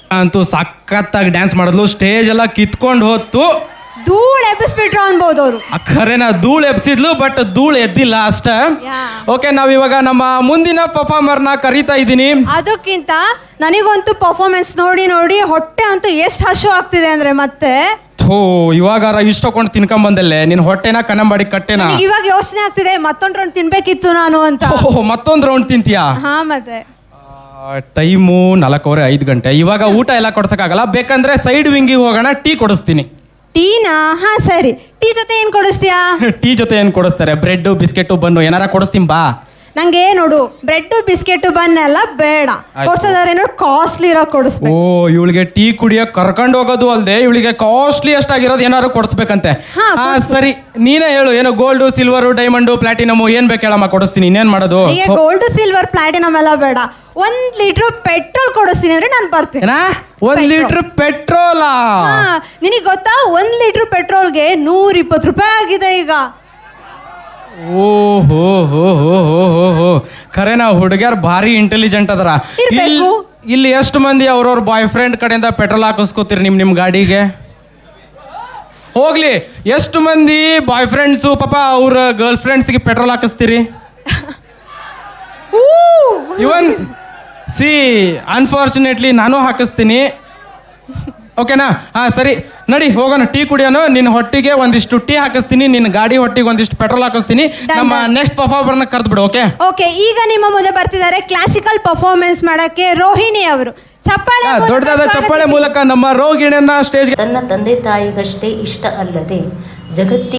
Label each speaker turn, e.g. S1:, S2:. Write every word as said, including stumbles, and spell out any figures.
S1: ಅಂತೂ ಸಖತ್ತಾಗಿ ಡ್ಯಾನ್ಸ್ ಮಾಡಿದ್ಲು, ಸ್ಟೇಜ್ ಎಲ್ಲ ಕಿತ್ಕೊಂಡು ಹೋತು,
S2: ಧೂಳ್ ಎಬ್ಬಿಸ್ಬಿಟ್ರು ಅನ್ಬೋದು ಅವರು.
S1: ಖರೇನ ಧೂಳು ಎಬ್ಸಿದ್ಲು, ಬಟ್ ಧೂಳು ಎದ್ದಿಲ್ಲ ಅಷ್ಟ. ಓಕೆ, ನಾವಿವಾಗ ನಮ್ಮ ಮುಂದಿನ ಪರ್ಫಾರ್ಮರ್ನ ಕರೀತಾ ಇದ್ದೀನಿ.
S2: ಅದಕ್ಕಿಂತ ನನಗಂತೂ ಪರ್ಫಾರ್ಮೆನ್ಸ್ ನೋಡಿ ನೋಡಿ ಹೊಟ್ಟೆ ಅಂತೂ ಎಷ್ಟು ಹಶು ಆಗ್ತಿದೆ ಅಂದ್ರೆ ಮತ್ತೆ
S1: ಥೋ ಇವಾಗಾರ ಇಷ್ಟಕೊಂಡು ತಿನ್ಕೊಂಡ್ ಬಂದಲ್ಲೇ ನಿನ್ ಹೊಟ್ಟೆನ ಕನ್ನಂಬಾಡಿ ಕಟ್ಟೆನ.
S2: ಇವಾಗ ಯೋಚನೆ ಆಗ್ತಿದೆ ಮತ್ತೊಂದ್ ರೌಂಡ್ ತಿನ್ಬೇಕಿತ್ತು ನಾನು ಅಂತ.
S1: ಓಹ್ ಮತ್ತೊಂದ್ ರೌಂಡ್ ತಿಂತೀಯಾ?
S2: ಹಾ ಮತ್ತೆ
S1: ಟೈಮು ನಾಲ್ಕೂವರೆ ಐದು ಗಂಟೆ. ಇವಾಗ ಊಟ ಎಲ್ಲ ಕೊಡ್ಸಕ್ಕಾಗಲ್ಲ, ಬೇಕಂದ್ರೆ ಸೈಡ್ ವಿಂಗಿಗೆ ಹೋಗೋಣ, ಟೀ ಕೊಡಿಸ್ತೀನಿ.
S2: ಟೀನಾ? ಹಾ ಸರಿ. ಟೀ ಜೊತೆ ಏನ್ ಕೊಡಿಸ್ತೀಯಾ?
S1: ಟೀ ಜೊತೆ ಏನ್ ಕೊಡಿಸ್ತಾರೆ? ಬ್ರೆಡ್ ಬಿಸ್ಕೆಟ್ ಬನ್ನು ಏನಾರ ಕೊಡಿಸ್ತೀನಿ ಬಾ.
S2: ನಂಗೆ ನೋಡು ಬ್ರೆಡ್ ಬಿಸ್ಕೆಟ್ ಬನ್ ಎಲ್ಲ ಬೇಡ, ಕೊಡ್ಸೋದಾದ್ರೆ ಏನೋ ಕಾಸ್ಟ್ಲಿ ಇರೋ ಕೊಡಿಸ್ಬೇಕು.
S1: ಓ ಇವಳಿಗೆ ಟೀ ಕುಡಿಯಕ್ ಕರ್ಕೊಂಡು ಹೋಗೋದು ಅಲ್ದೆ ಇವಳಿಗೆ ಕಾಸ್ಟ್ಲಿ ಅಷ್ಟಾಗಿರೋದು ಏನಾದ್ರು ಕೊಡಿಸ್ಬೇಕಂತೆ. ಹಾ ಸರಿ, ನೀನೇ ಹೇಳು, ಏನೋ ಗೋಲ್ಡ್ ಸಿಲ್ವರ್ ಡೈಮಂಡ್ ಪ್ಲಾಟಿನಮ್ ಏನ್ ಬೇಕು ಹೇಳಮ್ಮ, ಕೊಡಿಸ್ತೀನಿ. ಇನ್ನೇನ್ ಮಾಡೋದು?
S2: ಗೋಲ್ಡ್ ಸಿಲ್ವರ್ ಪ್ಲಾಟಿನಮ್ ಎಲ್ಲ ಬೇಡ, ಒಂದ್ ಲೀಟರ್ ಪೆಟ್ರೋಲ್ ಕೊಡಿಸ್ತೀನಿ ಅಂದ್ರೆ ನಾನು ಬರ್ತೀನಿ.
S1: ಒಂದ್ ಲೀಟರ್ ಪೆಟ್ರೋಲಾ?
S2: ನಿನಗೆ ಗೊತ್ತಾ, ಒಂದ್ ಲೀಟರ್ ಪೆಟ್ರೋಲ್ಗೆ ನೂರ ಇಪ್ಪತ್ತು ರೂಪಾಯಿ ಆಗಿದೆ ಈಗ.
S1: ಓಹೋ ಹೋ ಹೋ ಹೋ ಹೋ ಹೋ ಖರೇನಾ? ಹುಡುಗ್ಯಾರ ಭಾರಿ ಇಂಟೆಲಿಜೆಂಟ್ ಅದರ. ಇಲ್ಲಿ ಎಷ್ಟು ಮಂದಿ ಅವ್ರವ್ರ ಬಾಯ್ ಫ್ರೆಂಡ್ ಕಡೆಯಿಂದ ಪೆಟ್ರೋಲ್ ಹಾಕಿಸ್ಕೋತೀರಿ ನಿಮ್ ನಿಮ್ ಗಾಡಿಗೆ? ಹೋಗ್ಲಿ, ಎಷ್ಟು ಮಂದಿ ಬಾಯ್ ಫ್ರೆಂಡ್ಸು ಪಾಪ ಅವ್ರ ಗರ್ಲ್ ಫ್ರೆಂಡ್ಸ್ಗೆ ಪೆಟ್ರೋಲ್ ಹಾಕಿಸ್ತೀರಿ? ಇವನ್ ಸಿ ಅನ್ಫಾರ್ಚುನೇಟ್ಲಿ ನಾನು ಹಾಕಿಸ್ತೀನಿ. ಓಕೆನಾ? ಹಾ ಸರಿ, ನಡಿ ಹೋಗೋಣ, ಟೀ ಕುಡಿಯೋಣ. ನಿನ್ನ ಹೊಟ್ಟಿಗೆ ಒಂದಿಷ್ಟು ಟೀ ಹಾಕಿಸ್ತೀನಿ, ನಿನ್ನ ಗಾಡಿ ಹೊಟ್ಟಿಗೆ ಒಂದಿಷ್ಟು ಪೆಟ್ರೋಲ್ ಹಾಕಿಸ್ತೀನಿ. ನಮ್ಮ ನೆಕ್ಸ್ಟ್ ಪರ್ಫಾರ್ಮರ್ನ ಕರೆದು ಬಿಡು. ಓಕೆ
S2: ಓಕೆ, ಈಗ ನಿಮ್ಮ ಮುಂದೆ ಬರ್ತಿದ್ದಾರೆ ಕ್ಲಾಸಿಕಲ್ ಪರ್ಫಾರ್ಮೆನ್ಸ್ ಮಾಡಕ್ಕೆ ರೋಹಿಣಿ ಅವರು. ಚಪ್ಪಾಳೆ,
S1: ದೊಡ್ಡದಾದ ಚಪ್ಪಾಳೆ ಮೂಲಕ ನಮ್ಮ ರೋಹಿಣಿಯನ್ನ ಸ್ಟೇಜ್.
S3: ತನ್ನ ತಂದೆ ತಾಯಿಗಷ್ಟೇ ಇಷ್ಟ ಅಲ್ಲದೆ ಜಗತ್ತಿ